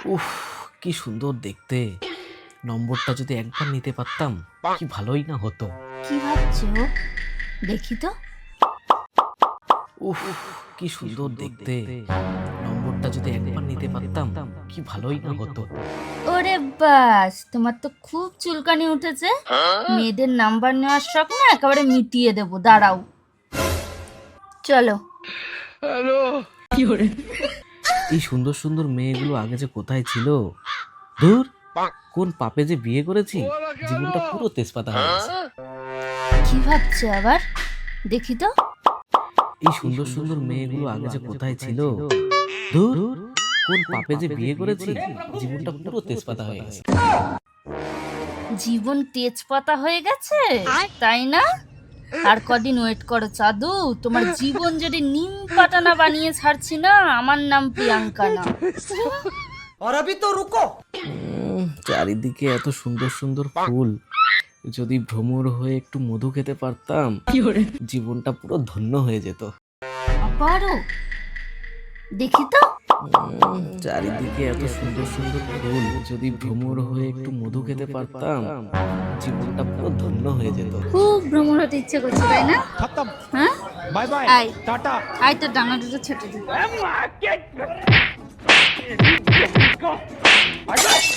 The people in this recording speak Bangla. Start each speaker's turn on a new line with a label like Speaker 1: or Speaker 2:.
Speaker 1: উফ, কি সুন্দর দেখতে। নম্বরটা যদি একবার নিতে পারতাম কি ভালোই না হতো।
Speaker 2: কি ভাবছো? দেখি তো।
Speaker 1: উফ, কি সুন্দর দেখতে। নম্বরটা যদি একবার নিতে পারতাম কি ভালোই না হতো।
Speaker 2: ওরে বাস, তোমার তো খুব চুলকানি উঠেছে। মেয়েদের নাম্বার নেওয়ার শখ না একেবারে মিটিয়ে দেবো, দাঁড়াও। চলো।
Speaker 1: এই সুন্দর সুন্দর মেয়েগুলো আগে যে কোথায় ছিল। ধুর, কোন পাপে যে বিয়ে করেছি, জীবনটা পুরো তেজপাতা হয়ে গেছে।
Speaker 2: কি ভাবছো আবার? দেখি তো।
Speaker 1: এই সুন্দর সুন্দর মেয়েগুলো আগে যে কোথায় ছিল। ধুর, কোন পাপে যে বিয়ে করেছি, জীবনটা পুরো তেজপাতা হয়ে গেছে।
Speaker 2: জীবন তেজপাতা হয়ে গেছে, তাই না? আর কদিন ওয়েট করো চাঁদু, তোমার জীবন যদি নিম পাতা না বানিয়ে ছাড়ছি না। আমার নাম প্রিয়াঙ্কা না।
Speaker 1: চারিদিকে এত সুন্দর সুন্দর ফুল, যদি ভ্রমর হয়ে একটু মধু খেতে পারতাম, জীবনটা পুরো ধন্য হয়ে যেত।
Speaker 2: আবারও দেখি তো।
Speaker 1: চারিদিকে এত সুন্দর সুন্দর ফুল, যদি ভ্রমর হয়ে একটু মধু খেতে পারতাম, জীবনটা পুরো ধন্য হয়ে যেত।
Speaker 2: খুব ভ্রমণ হতে ইচ্ছে করছে, তাই না?
Speaker 3: खत्म।
Speaker 2: হ্যাঁ,
Speaker 3: बाय बाय
Speaker 2: আয়
Speaker 3: टाटा।
Speaker 2: আয়, তো ডাঙা দুটো ছেটে দিই।